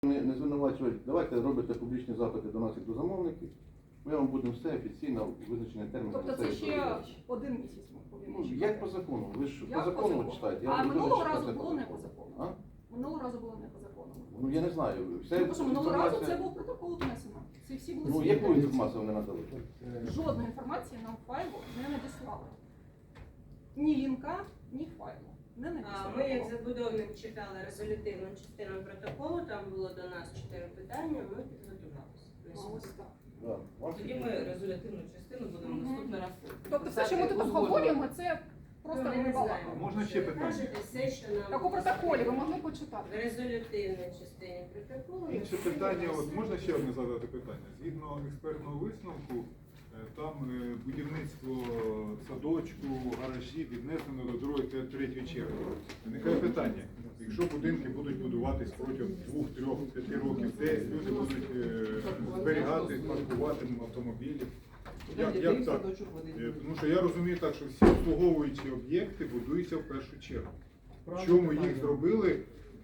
Не звинувачувати, давайте робите публічні запити до нас як до замовників, ми вам будемо все офіційно визначені терміни. Тобто це ще один місяць ми повинні Ну, чекати? як по закону? Ви ж по Як закону читаєте. А Я минулого дуже разу читати було не закон. по закону. А? Минулого разу було не по закону. Ну я не знаю. Все Тому що минулого разу інформація- це був протокол внесено. Всі були Ну свідками. яку інформацію вони надали? Жодної інформації нам в файлу не надіслали. Ні лінка, ні файлу. Не надіслали. Ми, як забудовник, читали резолютивну частину протоколу, там було до нас 4 питання, ми підготувалися. А ось так. Да. Вам Тоді ми резолютивну частину будемо наступний раз. Тобто все, що ми тут обговорюємо, це просто Ми не не знаємо. Можна ще питання? Кажете все, що нам... Так у протоколі ви могли В почитати. резолютивній частині протоколу... ми Інше всі питання, от вносимо. можна ще одне задати питання? Згідно експертного висновку, там будівництво садочку, гаражі віднесено до 2-3 черги. Виникає питання, якщо будинки будуть будуватись протягом 2, 3, 5 років, де люди будуть зберігати, паркувати автомобілі? Як так? Тому що я розумію так, що всі обслуговуючі об'єкти будуються в першу чергу. Чому їх зробили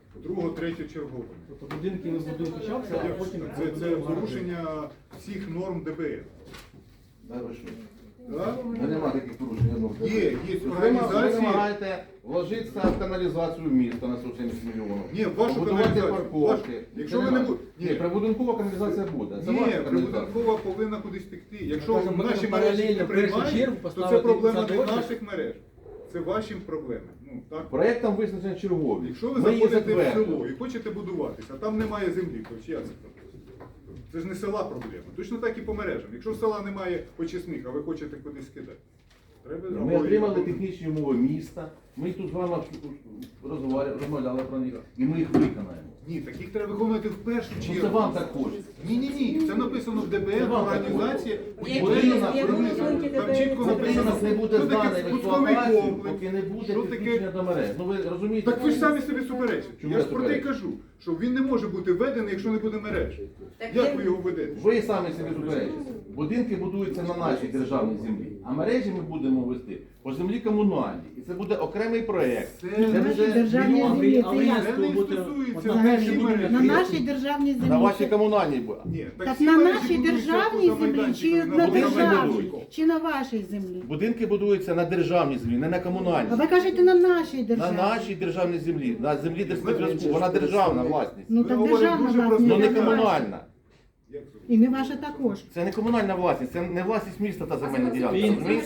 2-3 черговими? Тобто будинки ми будуємо почався, а потім... Це порушення всіх норм ДБР. Да, ви що? Да? Ну, нема таких порушень. я думаю. Є Ви організації. вимагаєте вложитися в каналізацію міста на 170 мільйонів. Ні, вашу Побудувати каналізацію. парковки. Якщо Це ви не нема. будете. Ні, прибудинкова каналізація буде. Це Ні, ваша каналізація. прибудинкова повинна кудись текти. Якщо Ми кажемо, наші ми мережі не паралельно в першу приймають, чергу то це поставити проблема не садочок. наших мереж. Це ваші проблеми. Ну, так? Проєктом визначено чергові. Якщо ви Ми її заходите в затвердили. село і хочете будуватися, а там немає землі, то чия це проблема? Це ж не села проблема. Точно так і по мережам. Якщо в села немає очисних, а ви хочете кудись кидати. Треба Ми отримали технічні умови міста, ми тут з вами розмовляли про них, і ми їх виконаємо. Ні, таких треба виконувати в першу Ну, чергу. це вам так хочеться. Ні. Це написано в Це ДБР, вам організація. В якій- Будинок, в якому будинок. пункті Там ДБР чітко це Будинок написано, не буде що таке зданий в спусковий експлуатацію, комплекс, поки не буде що таке- підключення до мереж. Ну ви розумієте? Так ви ж самі собі суперечите. Чому Я я ж про те й суперечу? кажу, що він не може бути введений, якщо не буде мережі. Так Як він- ви його ведете? Ви самі собі суперечите. Будинки будуються на нашій державній землі, а мережі ми будемо вести по землі комунальній. І це буде окремий проєкт. Це Це на буде державній мільйон. землі. Але як? Це не стосується Одна нашої буде мережі. На нашій державній землі. На вашій комунальній буде. Ні, Так всі на мережі нашій будуються державній поза землі чи майданчиком, на будинок державній, будують. чи на вашій землі? Будинки будуються на державній землі, не на комунальній. А ви кажете на нашій На державі. нашій державній землі, на землі Держспецзв'язку. Вона державна власність. Ну Ви так говорите державна дуже власність. Ну не а не ваша. комунальна. Як це? І не ваша також. Це не комунальна власність, це не власність міста та земельна ділянка. Він- розумієте?